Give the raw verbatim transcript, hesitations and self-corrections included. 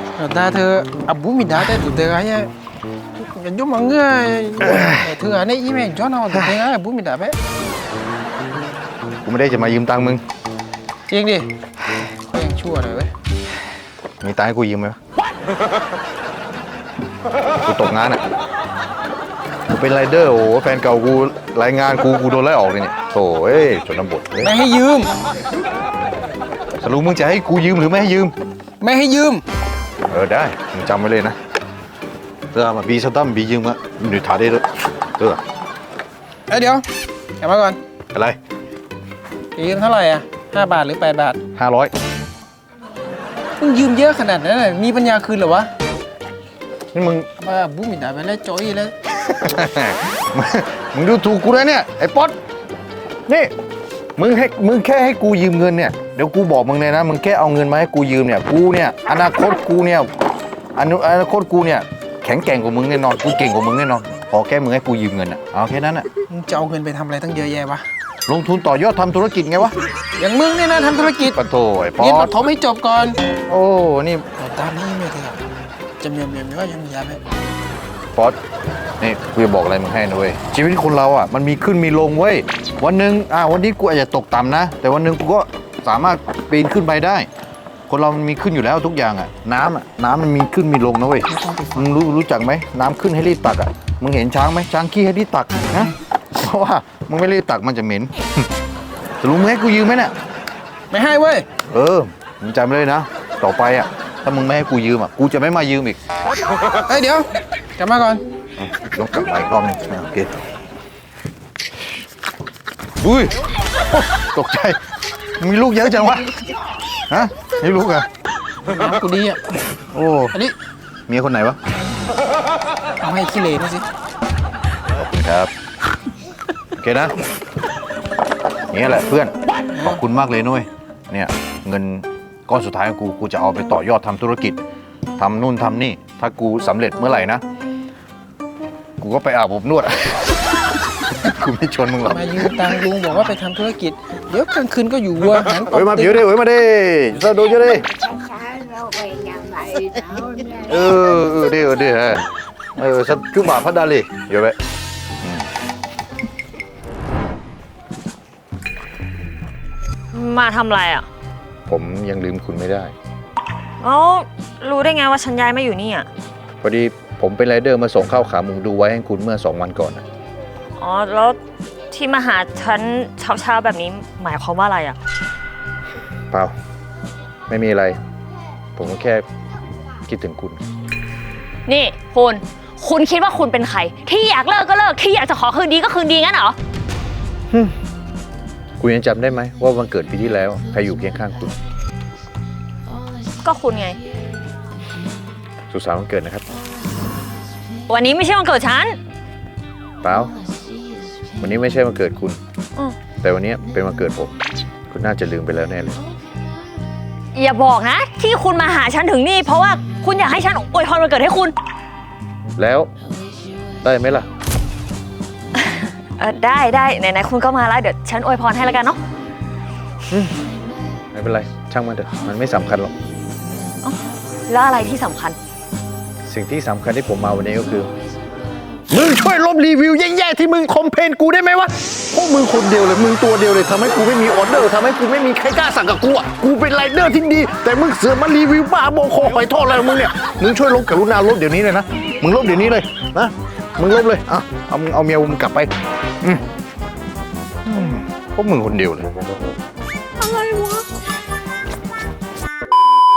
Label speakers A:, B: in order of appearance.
A: ta thơ à bố mình đã tới tụi thơ ấy nhận giúp mọi người thơ ở đây ý mẹ cho nó tụi thơ ấy bố mình đã bé
B: กูไม่ได้จะมายืมตังค์มึง
A: จริงดิก็ยังชั่วหน่อยเว้ย
B: มีตังค์ให้กูยืมไหมวะกูตกงานอ่ะกูเป็นไรเดอร์โอ้โหแฟนเก่ากูรายงานกูกูโดนไล่ออกเลยเนี่ยโถ่เอ้ยจนน้ำบดเลย
A: ไม่ให้ยืม
B: สรุปมึงจะให้กูยืมหรือไม่ให้ยืม
A: ไม่ให้ยืม
B: เออได้มึงจำไว้เลยนะเรื่องมาบีสตัมบียืมอะหนูถ่ายได้ด้วยเออ
A: เอ้ยเดี๋ยวกลับมาก่อน
B: อะไร
A: จะยืมเท่าไหร่อ่ะห้าบาทหรือแปดบาท
B: ห้าร้อย
A: มึงยืมเยอะขนาดนั้นมีปัญญาคืนเหรอวะ
B: นี่มึง
A: บ้าบố mình đãไปแล้วจอยแล้ว
B: มึงดูถูกกูนะเนี่ยไอ้ป๊อตนี่มึงให้มึงแค่ให้กูยืมเงินเนี่ยเดี๋ยวกูบอกมึงเลยนะมึงแค่เอาเงินมาให้กูยืมเนี่ยกูเนี่ยอนาคตกูเนี่ยอนุอนาคตกูเนี่ยแข็งแกร่งกว่ามึงแน่นอนกูเก่งกว่ามึงแน่นอนขอแค่มึงให้กูยืมเงินอ่ะเอาแค่นั้นอ่ะ
A: มึงจะเอาเงินไปทำอะไรตั้งเยอะแยะวะ
B: ลงทุนต่อยอดทำธุรกิจไงวะ
A: อย่างมึงเนี่ยนะทำธุรกิจ
B: ปะโถไอ้ป๊อ
A: เรียนป
B: ต
A: ฐมให้จบก่อน
B: โอ้นี่
A: แต่ตอนนี้ไม่เถอะจะเมียเมียไม่ว่ายังยาไป
B: ป๊อตนี่กูจะบอกอะไรมึงให้นะเว้ยชีวิตคนเราอ่ะมันมีขึ้นมีลงเว้ยวันหนึ่งอ่าวันนี้กูอาจจะตกต่ำนะแต่วันหนึ่งกูก็สามารถปีนขึ้นไปได้ คนเรามันมีขึ้นอยู่แล้วทุกอย่างอ่ะน้ำอ่ะน้ำมันมีขึ้นมีลงนะเว้ยมึงรู้รู้จักไหมน้ำขึ้นให้รีบตักอ่ะมึงเห็นช้างไหมช้างขี้ให้รีบตักนะเพราะว่ามึงไม่รีบตักมันจะเหม็น จะรู้มึงให้กูยืมไหมเนี่ย
A: ไม่ให้เว้ย
B: เออมึงจำไว้เลยนะต่อไปอ่ะถ้ามึงไม่ให้กูยืมอ่ะกูจะไม่มายืมอีก
A: เอ้ยเดี๋ยวกลับมาก่อน
B: ต้องกลับมาอีกรอบหนึงโอเคอุ้ยตกใจมีลูกเยอะจังวะฮะนี่ลูกเหรอ่ะ
A: น้ำกูดีอ่ะ
B: โอ้
A: อันนี้
B: เมียคนไหนวะ
A: เอาให้ขี้เหร่ด้วยสิ
B: ขอบคุณครับโอเคนะนี่แหละเพื่อนขอบคุณมากเลยนุ้ยเนี่ยเงินก้อนสุดท้ายของกูกูจะเอาไปต่อยอดทำธุรกิจทำนู่นทำนี่ถ้ากูสำเร็จเมื่อไหร่นะกูก็ไปอาบอบนวด กูไม่ชวนมึงหรอก
A: มายืมตังค์ลุงบอกว่าไปทำธุรกิจเดี๋ยวกลางคืนก็อยู่วัวหัน
B: เฮ้ยมาผิวดิเฮ้ยมาดิสวัสดีจ้าดิ
C: Nó về nhà mày đâu nha.
B: เออเออดิเออดิฮะเออสักจุ่มบาพัดดาลีเดี๋ยวไป
D: มาทำอะไรอ่ะ
B: ผมยังลืมคุณไม่ได้
D: เอ้ารู้ได้ไงว่าฉันย้ายมาอยู่นี่อ่ะ
B: พอดีผมเป็นไรเดอร์มาส่งข้าวขาหมูดูไว้ให้คุณเมื่อสองวันก่อนนะ
D: อ๋อแล้วที่มาหาฉันเช้าๆแบบนี้หมายความว่าอะไรอ่ะ
B: เปล่าไม่มีอะไร ผมก็แค่คิดถึงคุณ
D: นี่คุณคุณคิดว่าคุณเป็นใครที่อยากเลิกก็เลิกที่อยากจะขอคืนดีก็คืนดีงั้นเหรอ
B: คุณยังจำได้ไหมว่าวันเกิดปีที่แล้วใครอยู่เคียงข้างคุณ
D: ก็คุณไง
B: สุขสันต์วันเกิดนะครับ
D: วันนี้ไม่ใช่วันเกิดฉัน
B: เปล่าวันนี้ไม่ใช่วันเกิดคุณ
D: อืม
B: แต่วันนี้เป็นวันเกิดผม คุณน่าจะลืมไปแล้วแน่เลย
D: อย่าบอกนะ ที่คุณมาหาฉันถึงนี่เพราะว่าคุณอยากให้ฉันอวยพรวันเกิดให้คุณ
B: แล้วได้ไหมล่ะ
D: เออได้ได้ไหนๆคุณก็มาแล้วเดี๋ยวฉันอวยพรให้แล้วกันเนาะ
B: ไม่เป็นไรช่างมันเถอะมันไม่สำคัญหรอก
D: แล้วอะไรที่สำคัญ
B: สิ่งที่สำคัญที่ผมมาวันนี้ก็คือมึงช่วยลบรีวิวแย่ๆที่มึงคอมเพลนกูได้ไหมวะพวกมึงคนเดียวเลยมึงตัวเดียวเลยทำให้กูไม่มีออเดอร์ทำให้กูไม่มีใครกล้าสั่งกับกูอ่ะกูเป็นไรเดอร์ที่ดีแต่มึงเสือกมารีวิวบ้าบอคอหอยทอดอะไรของมึงเนี่ยมึงช่วยลบกรุณาลบเดี๋ยวนี้เลยนะมึงลบเดี๋ยวนี้เลยนะมึงลบเลยอ่ะเอามึงเอาเมียมึงกลับไปอืมอืมพวกมึงคนเดียวเลย